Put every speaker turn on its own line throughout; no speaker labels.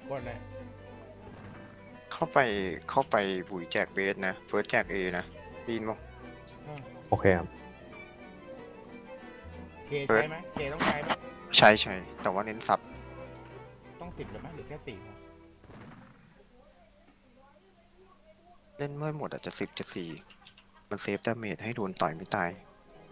กดเลย
เข้าไปเข้าไปบุ๋ยแจกเบสนะเฟิร์สแจกเอนะได้ยินมั้ง
โอเคครับ
เคใช้ไหมเคต้องใช้ไหม
ใช่แต่ว่าเน้นซับ
ต้อง10เลยไหมหรือแค่4พอ
เล่นเมื่อหมดอาจจะ10จะ4มันเซฟดาเมจให้โดนต่อยไม่ตาย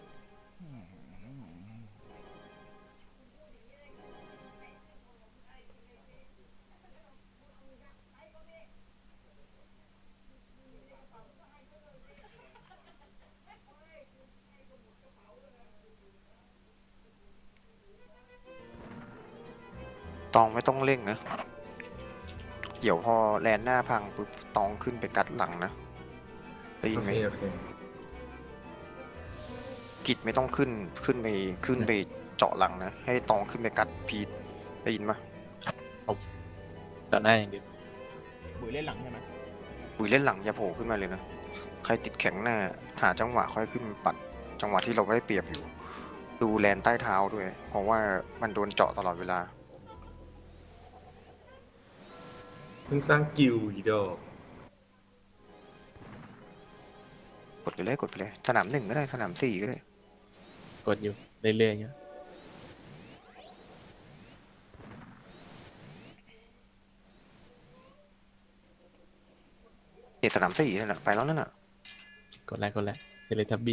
ตองไม่ต้องเร่งนะเดี๋ยวพอแลนหน้าพังปุ๊บตองขึ้นไปกัดหลังนะได้ยินไหม
โอเค
กิจไม่ต้องขึ้นไปเจาะหลังนะให้ตองขึ้นไปกัดพีทได้ยินปะ
ต่อหน้าอย่างเดียว
บุ๋ยเล่นหลังใช่ไหม
บุ๋ยเล่นหลังอย่าโผล่ขึ้นมาเลยนะใครติดแข็งหน้าหาจังหวะค่อยขึ้นมาปัดจังหวะที่เราไม่ได้เปรียบอยู่ดูแลนใต้เท้าด้วยเพราะว่ามันโดนเจาะตลอดเวลา
เพิ่งสร้างกิลด์อีดอก
กดไปเลยสนาม1ก็ได้สนาม4ก็ได้
กดอยู่เรื่อยๆอยู่
สนาม4นั่นแหละไปแล้วนั่นน่ะ
กดแล้วเทเลทับบี้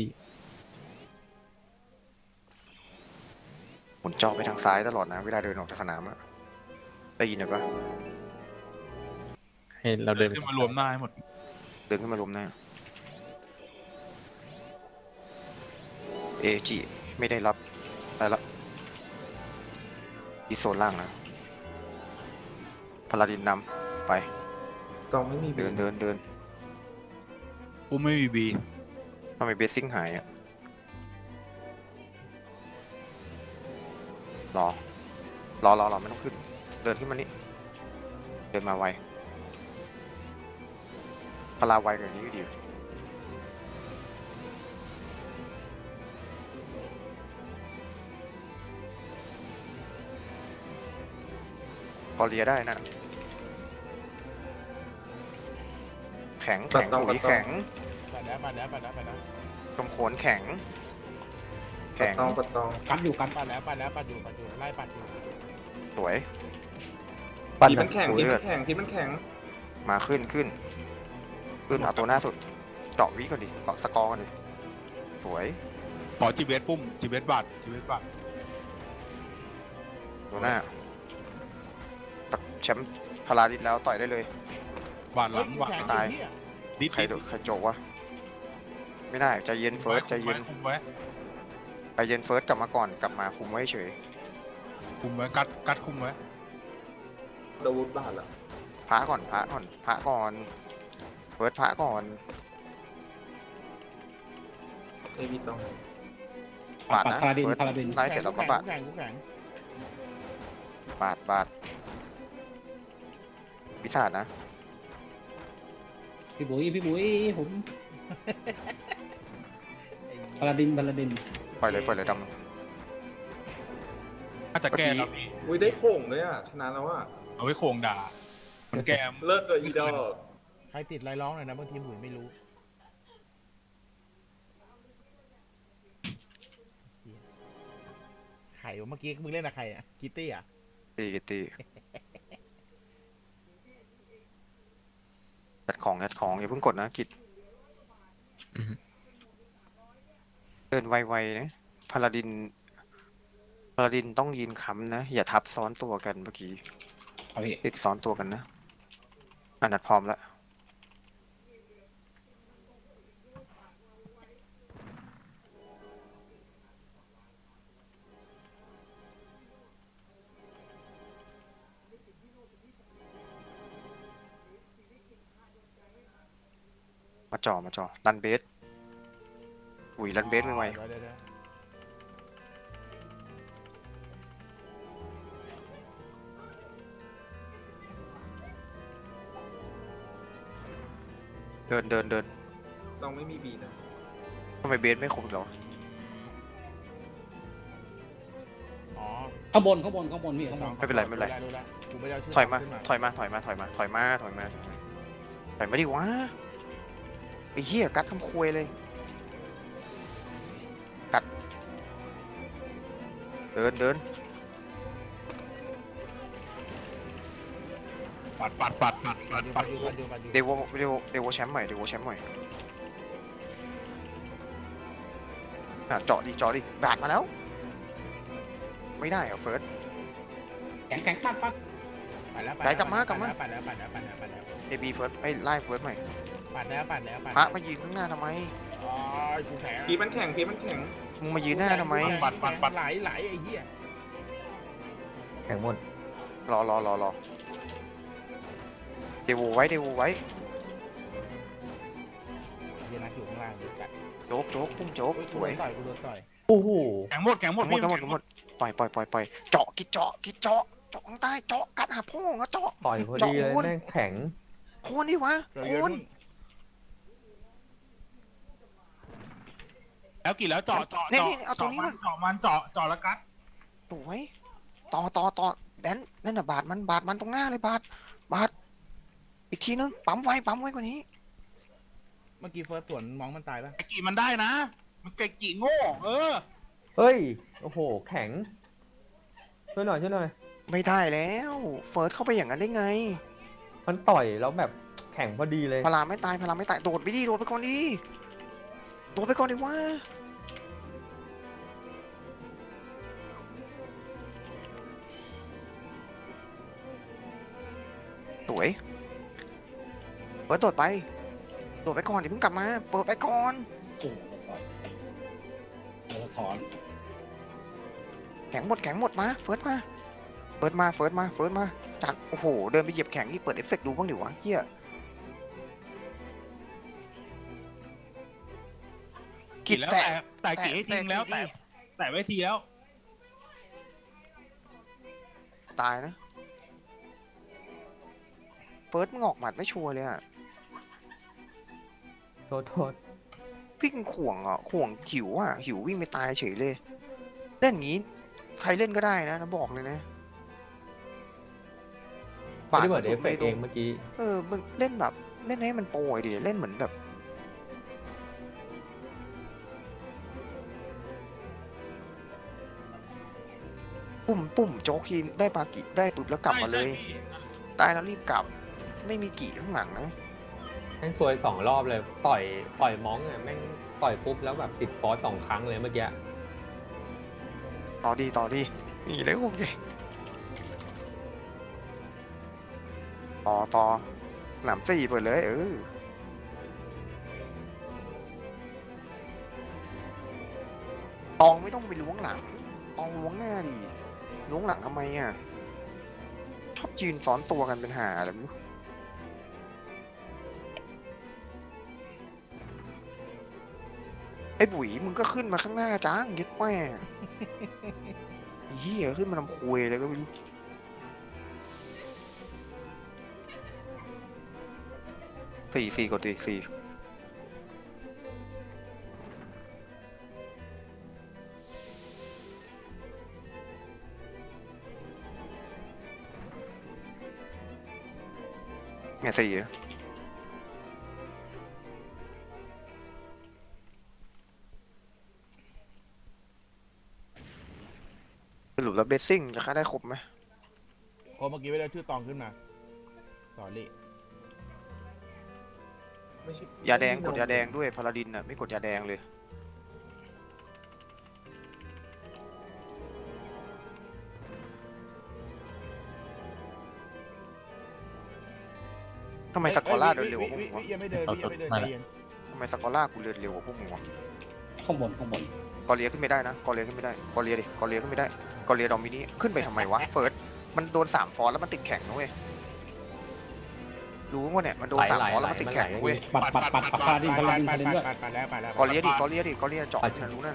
หมุนจอไปทางซ้ายตลอดนะเวลาเดินออกจากสนามอะได้ยินปะ
ให้เราเดิน
ขึ้นมารวมหน้าให้หมด
เดินขึ้นมารวมหน้าเอจิไม่ได้รับไปละอีโซนล่างนะพาลาดินนำไป
ต้องไม่มี
เดิน
กูไม่มีบี
ทำไมเบสซิ่งหายอะรอไม่ต้องขึ้นเดินขึ้นมานี่เดินมาไวพลาไวกว่านี้อยู่ดีพอเลียได้นั่นแข็งปุ๋ยแข็ง
ปัดแล้ว
กำโขนแข็ง
ปัดตอง
ปัดอยู่ไล่ปัดอยู่
สวย
ปั้น
ที
นะ
มันแข็งทีมันแข็ง
มาขึ้นเอาตัวหน้าสุดเจาะวิก่อนดิเกาะสกอร์ก่อนดิสวย
ขอจีเวสปุ้มจีเวสบาท
ตัวหน้าตักแชมป์พาราดิสแล้วต่อยได้เลย
บาทหลังบาท
แข็ง
ตาย
จริงเนี่ย
ดิด
ใครโจกวะไม่ได้ใจเย็นเฟิร์สใจเย็น
คุมไว้
ใจเย็นเฟิร์สกลับมาก่อนกลับมาคุมไว้เฉย
กัดคุมไว้
ดาวุธบาทละ
พระก่อนเฟิร์สพระก่อน
เอวีตอง
บาดนะ
พาราดิน
เฟิร์ส
พาราดิน
ไล่เสร็จแล้วก็บาด
แข็ง
บาดวิสาดนะ
พี่บุ๋ยผมพาราดิน
ปล่อยเลยดำ
น่าจะแก้แล้วพี่
อุ้ยได้โข่งเลยอ่ะชนะแล้วอ่ะ
เอาไว้โคงด่ามันแกม
เลิศเลยอีดอก
ใครติดไรร้องหน่อยนะบางทีบุ๋ยไม่รู้ใครวะเมื่อกี้มึงเล่นกับใครอ่ะคิตตี้อ่ะ
ตียัดของอย่าเพิ่งกดนะกิจเดินไวๆนะพาลาดินต้องยืนค้ำนะอย่าทับซ้อนตัวกันเมื่อกี้
เอาพี่
ติดซ้อนตัวกันนะอันนัดพร้อมแล้วมาจ่อรันเบสอุ้ยรันเบสไว
เดี๋ยว
เดิน
ต้องไม่มีบีนะ
ทำไมเบสไม่ครบอีกเหรอ
อ๋อ
ข้างบนพี่ข้างบน
ไม่เป็นไรไม่เป็นไร
รู้แล้วกูไม่ได้เอาชื่อ
ถอยมา
ขึ้น
ถอยมาดิวะไอ้เหี้ยกัดทำควยเลยกัดเดิน
ปัด
ปัดอยู่
เดโวแชมป์ใหม่เจาะดิบาดมาแล้ว ไม่ได้เหรอเฟิร์ส
แข็งปัด
ปัดแล้ว
ไหนกลับมา
ปัดแล้ว
เอบีเฟิร์สไอ้ไล่เฟิร์สใหม่
ปัดแล้ว
พระมายืนข้างหน้าทำไม
อ๋อกูแข็ง
พีมันแข็งพีมันแข็ง
มึงมายืนหน้าทำไม
ปัดไหลไอ้เหี้ย
แข็งหมด
รอเดโวไว้
เหี้ยนักอยู่ข้างล่างดูจัด
โจ๊กพุ่งโจ๊กสวย
กูโดนต่อย
โอ้โห
แข็งหมด
ทั้งหมดปล่อยเจาะข้างใต้เจาะกัดหาพ่องอะเจาะ
ต่อยพอดีเลย
เจาะอ้วน
แม่งแข็ง
โคนดิวะโคน
แล้วกี่แล้วเจาะ
นี่เอาตรงนี้ก่อน
เจาะมันเจาะแล้วกัด
สวยต่อแดนนั่นน่ะบาดมันตรงหน้าเลยบาดอีกทีนึงปั๊มไว้กว่านี้
เมื่อกี้เฟิร์สสวนมองมันตายปะ
ไอ้กี่มันได้นะ มันไก่กี่โง่
เฮ้ย โอ้โห แข็ง ช่วยหน่อย
ไม่ได้แล้วเฟิร์สเข้าไปอย่างนั้นได้ไง
มันต่อยแล้วแบบแข็งพอดีเลย
พลาไม่ตายโดดไปก่อนดิวะสวยเปิดโดดไปก่อนอย่าเพิ่งกลับมาเปิดไปก่อน
โอ้ถอน
แข็งหมดมาเฟิร์สมาจัดโอ้โหเดินไปเหยียบแข็งนี่เปิดเอฟเฟกต์ดูบ้างดิวะเฮีย
กี่แล้วแต่กี่ให้ทิ้งแล้วแต่ไว้ทีแล้ว
ตายนะเฟิร์สมึงออกหมัดไม่ชัวร์เลยอะ
โทษ
พี่งข่วงหิววิ่งไปตายเฉยเลยเล่นอย่างนี้ใครเล่นก็ได้นะบอกเลยนะ
ไม่ได้เปิดเอฟเฟกต์เองเมื่อกี้
มึงเล่นแบบเล่นให้มันโปรยดิเล่นเหมือนแบบปุ่มโจ๊กทีได้ปากิได้ปุ๊บแล้วกลับมาเลยตายแล้วรีบกลับไม่มีกี่ข้างหลังนะ
แม่งซวย2 รอบเลย ต่อยมองอ่ะแม่งต่อยปุ๊บแล้วแบบติดฟอส2 ครั้งเลยเมื่อกี้
ต่อดีนี่เลยโอเคต่อหนำสี่เปิดเลยตองไม่ต้องไปล้วงหลังตองล้วงหน้าดิล้วงหลังทำไมอ่ะชอบยืนซ้อนตัวกันเป็นหาอะไรไม่รู้ไอ้บุ๋ยมึงก็ขึ้นมาข้างหน้าจ้างยึดแม่เหี้ยขึ้นมาทำคุยเลยก็ไม่รู้สี่กดสี่เนี่ยสี่สรุปแล้วเบสซิ่งจะค่าได้ครบไหม
โอ้เมื่อกี้ไม่ได้ชื่อตองขึ้นมาสอรี่
ไม่ใช่
ยาแดงกดยาแดงด้วยพาราดินน่ะไม่กดยาแดงเลยทำไมสกอร่าเดินเร็วกว่าพวกมึงวะ
ยังไม่เดินใจเย็น
ทำไมสกอร่ากูเดินเร็วกว่าพวกมึงวะ
ข้างบน
กอเลียขึ้นไม่ได้นะกอเลียขึ้นไม่ได้กอเลียขึ้นไม่ได้กอเลียดอมินี่ขึ้นไปทำไมวะเฟิร์สมันโดน3 ฟอร์แล้วมันติดแข็งนะเว้ยรู้ว่าเนี่ยมันโดน3 ฟอร์แล้วมันติดแข็งนะเว้ย
ปัดพาดินด้วย
ปัดแล้ว
กอเลียเจาะฉันรู้นะ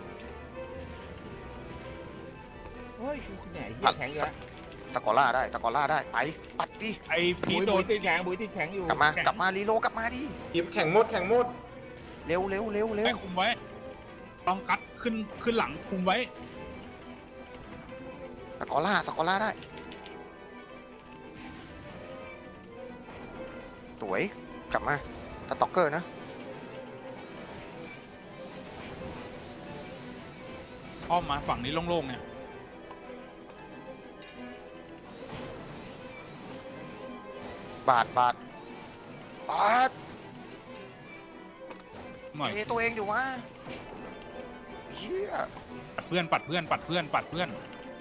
เฮ้ยกูแหน่เหี้ยแข็งอยู่แล้ว
สกอร่าได้ไปปัดดิ
ไอ้พี
บุ๋ย
โด
บุ๋
น
ยติดแข็งอยู่
กลับมารีโลกลับมาดิ
พีแข็งหมด
เร็ว
ไอ้คุมไว้ต้องกัดขึ้นหลังคุมไว้
สกอล่าได้สวยกลับมาสต็อกเกอร์นะ
อ้อมมาฝั่งนี้โล่งๆเนี่ย
บาดบาด
หน่อย
ตัวเองอยู่วะเฮีย
ปัดเพื่อนปัดเพื่อนปัดเพื่อนปัดเพื่อน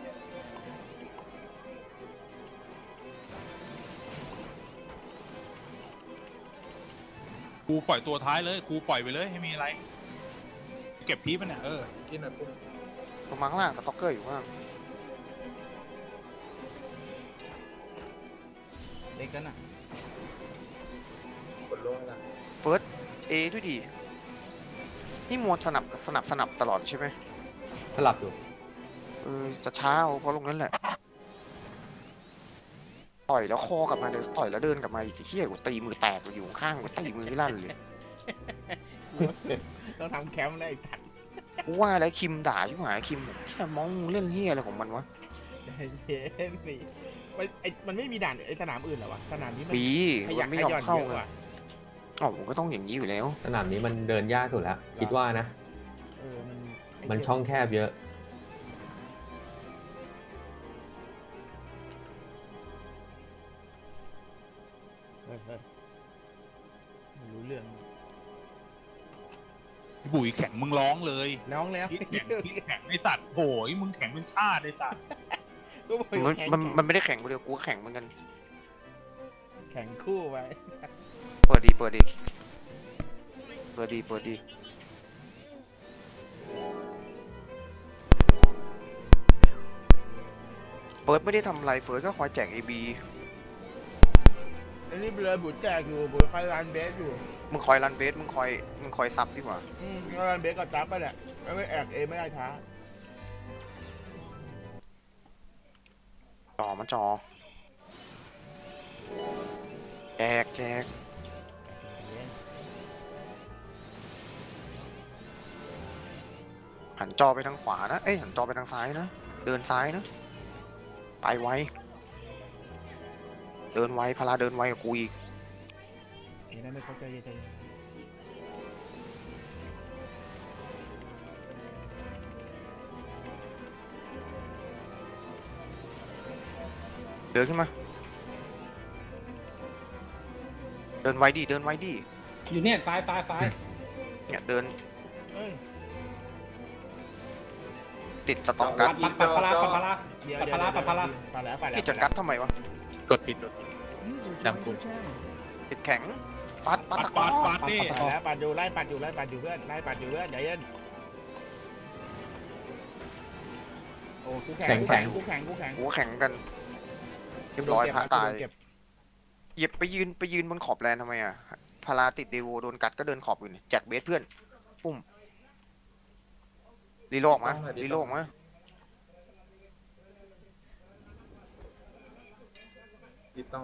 ครูปล่อยตัวท้ายเลยครูปล่อยไปเลยให้มีอะไร เก็บพีปะเนี่ย
กินหน่อยปุ๊บ
ลงมาข้างล่างสต็อกเกอร์อยู่ข้างล่าง
เล็กกันอ่ะ
กดลงละ
เฟิร์สเอด้วยดินี่มวนสนับตลอดใช่ไหม
สลับอยู่
จะช้าเอาเพราะลงนั้นแหละต่อยแล้วคอกลับมาเลยต่อยแล้วเดินกลับมาอีกเฮียกูตีมือแตกอยู่ข้างกูตีมือให้ลั่นเลย
ต้องทำแคมป์แล้วไอ้ถัด
กูว่าแล้วคิมด่าชิบหายคิมแค่มองเล่นเฮียอะไรของมันวะ
เย็นสิมันไม่มีด่านไอ้สนามอื่นเหรอวะสนามนี้มัน
ปี
ข
มั
ยั
น
ก
ไม่
ข
ยอม
ย่อน
เข้า
เยอะ
ไง
กว่า
อ๋อผมก็ต้องอย่างนี้อยู่แล้ว
สนามนี้มันเดินยากสุดแล้วคิดว่านะ มันช่องแคบเยอะ
ไม่รู้เรื่อง
พี่บุ๋ยแข็งมึงร้องเลย
น้องแล้ว
พี่แข็งไอสัตว์โหยมึงแข็งเป็นชาติไอสัตว์
ก็บอกอยู่แข่ง
มันไม่ได้แข่งคนเดียวกูก็แข่งเหมือนกัน
แข่งคู่ไป
เปิดดีเปิดไม่ได้ทำอะไรเฟิร์สก็คอยแจก AB
อันนี้เลยบุญแจกอยู่บุญคอยรันเบสอยู่
มึงคอยรันเบสมึงคอยซับดีกว่า
รันเบสกับจับไปแหละไม่แอกเอไม่ได้ช้า
จอแจกหันจอไปทางขวานะหันจอไปทางซ้ายนะเดินซ้ายนะไปไวเดินไวพาราเดินไวกับกูอีก
เห็นได้ไม่เข้าใจใจ
เดินขึ้นมาเดินไวดิ
อยู่เนี่ยซ้าย
เนี่ยเดิน
เอ้ย
ติดสตองกัด
ปัดพลา
เดี๋ยว
ปัดพลา
ไปแล้ว
พี่จัดกัดทำไมวะ
กดผิดจำคุณ
ติดแข็งปัดสกอ
ปาดดิ
ไปแล้วปัดอยู่ไล่ปัดอยู่เพื่อนไล่ปัดอยู่เพื่อนใจเย็นโอ้กูแข่ง
หัวแข็งกันเรียบร้อยพระตายเหยียบไปยืนบนขอบแลนทำไมอ่ะพาราติดเดโวโดนกัดก็เดินขอบอื่นแจกเบสเพื่อนปุ้มรีโลกมา
ติดต้อง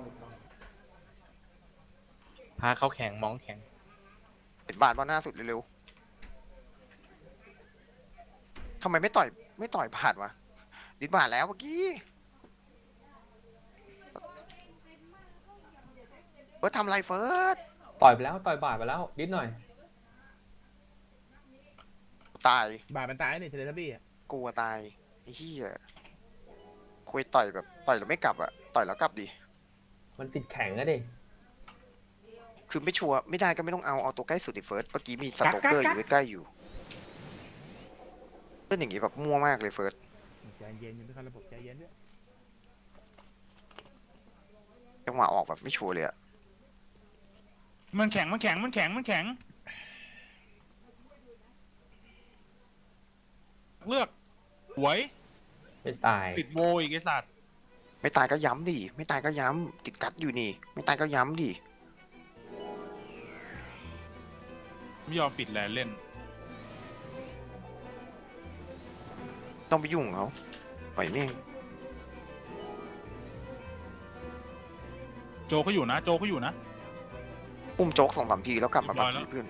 พาเขาแข่งมองแข่ง
เป็นบาทว่าหน้าสุดเร็วๆทำไมไม่ต่อยบาทวะดิบาทแล้วเมื่อกี้ทำไรเฟิร์ส
ต่อยไปแล้วต่อยบาดไปแล้วนิดหน่อย
ตาย
บาดมันตายนี่เทเลทับบี้
กลัวตายไอ้เหี้ยคุยต่อยแบบต่อยแล้วไม่กลับอ่ะต่อยแล้วกลับดิ
มันติดแข็งอะดิ
คือไม่ชัวร์ไม่ได้ก็ไม่ต้องเอาตัวใกล้สุดดิเฟิร์สเมื่อกี้มีสโตเกอร์อยู่ใกล้ๆอยู่เป็นอย่างงี้แบบมั่วมากเลยเฟิร์ส
ใจเย็นยังไม่เข้าระบบใจเย็นด้วย
จังหวะออกแบบไม่ชัวร์เลยอะ
มันแข็งเลือกหวย
ไม่ตาย
ติดโวอีกไอสัตว์
ไม่ตายก็ย้ำดิไม่ตายก็ย้ำติดกัดอยู่นี่ไม่ตายก็ย้ำดิ
ไม่ยอมปิดแลนเล่น
ต้องไปยุ่งเขาปล่อยแม่ง
โจเขาอยู่นะ
อุ้มโจ๊ก2-3 ทีแล้วกลับมาบัก
เรียบร้อยแล้ว
กี้เพื่อน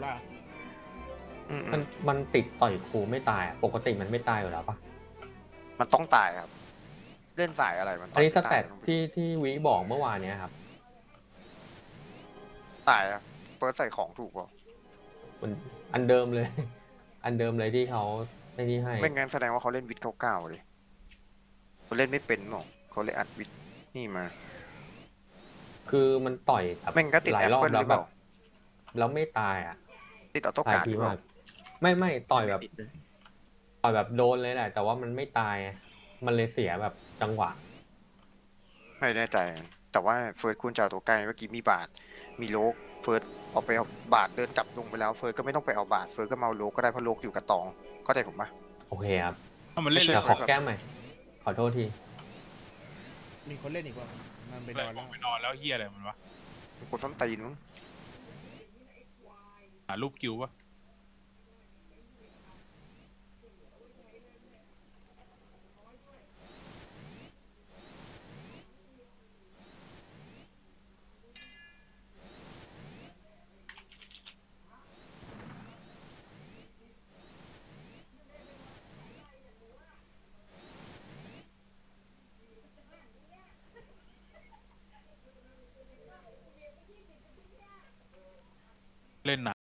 ล่ะ
อืม
มันติดต่อยครูไม่ตายอะปกติมันไม่ตายอยู่แล้วปะ
มันต้องตายครับ เล่นสายอะไรมัน
อันนี้ส
ไม่
แต
ตาย
ทที่วิบอกเมื่อวานเนี้ยครับ
ตายอะเฟิร์สใส่ของถูกป่ะ
มันอันเดิมเลย อันเดิมเลยที่เขาไอ้นี่ให้
ไม่งั้นแสดงว่าเขาเล่นวิทเก้าเลยเขาเล่นไม่เป็นหรอกเขาเลยอัดวิทนี่มา
คือมันต่อยแบบ
แม่งก็ติด
หลา
แอย ป
รอบ
เปิลห
แล้
รื
ว
อ
แบ
เปล่า
บแล้วไม่ตายอ่ะ
ติดออโต้
หลาย
การ์ดห
ที
รือเป
มา
ล่าก
ไม่ต่อยแบบต่อยแบบโดนเลยแหละ แต่ว่ามันไม่ตายอะมันเลยเสียแบบจังหวะ
ไม่แน่ใจ แต่ว่าเฟิร์สควรจะเอาตัวใกล้เมื่อกี้มีบาท มีโลกเฟิร์สออกไปเอาบาทเดินกลับลงไปแล้วเฟิร์สก็ไม่ต้องไปเอาบาทเฟิร์สก็มาเอาโลกก็ได้เพราะโลกอยู่กับตองเข้าใจผมปะ
โอเคครับ
ถ้ามันเล่น
ไม่
เล
ใช่
ย
แต่ขอแก้มใหม่ ขอโทษที
มีคนเล่นอีกว่ามันไปนอนแล้ว
ไปนอนแล้วเฮียอะไรมันวะ
กดส้นตีนมึง
หารูปกิวปะเล่นหนัก